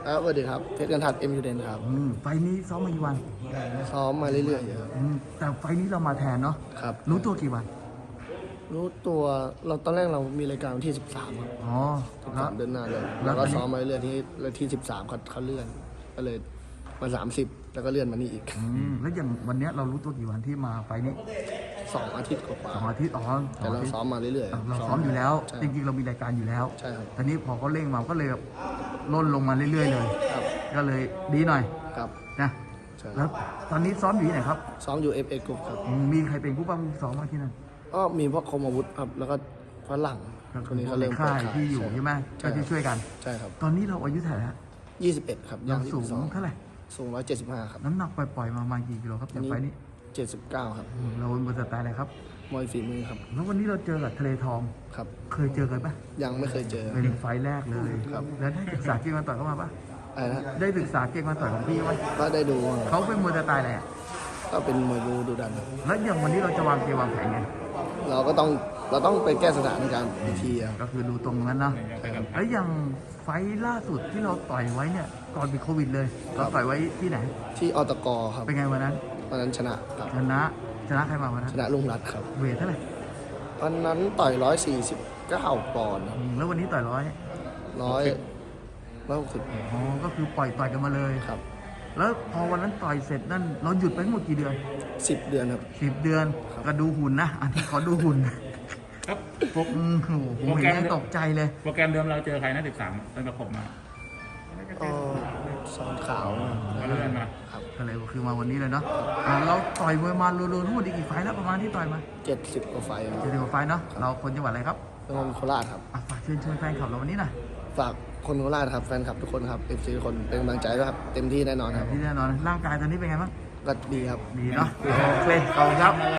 ครับสวัสดีครับเพชรกันทัดเอ็มยูเดนครับไฟล์นี้ซ้อมมากี่วันซ้อมมาเรื่อยๆอยู่ครับแต่ไฟล์นี้เรามาแทนเนาะครับรู้ตัวกี่วันรู้ตัวเราตอนแรกเรามีรายการวันที่ 13ครับอ๋อแล้ว 13เดือนหน้าเลยแล้แล้ววก็ตอนนี้ซ้อมมาเรื่อยๆที่13เขาเลื่อนก็เลยมา30แล้วก็เลื่อนมานี่อีกแล้วอย่างวันเนี้ยเรารู้ตัวกี่วันที่มาไฟล์นี้ 2 อาทิตย์กว่า 2 อาทิตย์อ๋อๆแต่เราซ้อมมาเรื่อยๆเราซ้อมอยู่แล้วใช่จริงๆเรามีรายการอยู่แล้วใช่ครับตอนนี้พอเขาเร่งมาก็เลยแบบล่นลงมาเรื่อยๆเลยครับก็เลยดีหน่อยครับนะใช่แล้วตอนนี้ซ้อมอยู่ที่ไหนครับซ้อมอยู่ FA Group ครับมีใครเป็นผู้ป้องกันซ้อมบ้างที่นั่นก็มีพวกคมอาวุธครับแล้วก็ฝรั่งคนนี้เขาเริ่มค่ายเปิดที่อยู่ใช่ไหมก็ที่ช่วยกันใช่ครับตอนนี้เราอายุเท่าไหร่แล้ว 21ครับเราย่างสูง 22 เท่าไหร่สูง175ครับน้ำหนักปล่อยๆมาประมาณกี่กิโลครับจากไฟล์นี้ 79ครับเราบนสไตล์อะไรครับมวยฝีมือครับแล้ววันนี้เราเจอกับทะเลทองครับเคยเจอกันปะยังไม่เคยเจอเป็นไฟล์แรกเลยครับแล้วได้ศึกษาเก่งมาต่อยเข้ามาปะอะไรนะได้ศึกษาเก่งมาต่อยของพี่ไหมก็ได้ดูบ้างครับเขาเป็นมวยสไตล์อะไรอะก็เป็นมวยบูดูดันครับแล้วอย่างวันนี้เราจะวางเกมวางแผนไงเราต้องไปแก้สถานการณ์อีกทีครับก็คือดูตรงนั้นนะแล้วอย่างไฟล์ล่าสุดที่เราต่อยไว้เนี่ยก่อนเป็นโควิดเลย เราต่อยไว้ที่ไหนที่อตกครับเป็นไงวันนั้นวันนั้นชนะครับชนะใครมาวันนั้นชนะลุงรัตน์ครับเวทเท่าไหร่วันนั้นต่อย149ปอนด์แล้ววันนี้ต่อย100 160 อ๋อก็คือปล่อยต่อยกันมาเลยครับแล้วพอวันนั้นต่อยเสร็จนั่นเราหยุดไปทั้งหมดกี่เดือน 10 เดือนครับ 10 เดือนก็ดูหุ่นนะ อันที่ขอดูหุ่นครับโอ้โหผมเห็นยังตกใจเลยโปรแกรมเดิมเราเจอใครนะ13ตั้งแต่ผมมาก็สอนขาวก็เลื่อนมาครับก็เลยคือมาวันนี้เลยเนาะเราต่อยมวยมารวมๆทั้งหมดอีกกี่ไฟล์แล้วประมาณที่ต่อยมา 70 กว่าไฟล์ครับจะเดียวไฟล์เนาะเราคนจังหวัดอะไรครับเป็นคนโคราชครับอ่ะฝากเชิญชวนแฟนคลับเราวันนี้หน่อยฝากคนโคราชครับแฟนคลับทุกคนครับ FC ทุกคนเป็นกำลังใจด้วยครับเต็มที่แน่นอนครับที่แน่นอนร่างกายตอนนี้เป็นไงบ้างก็ดีครับดีเนาะโอเคขอบคุณครับ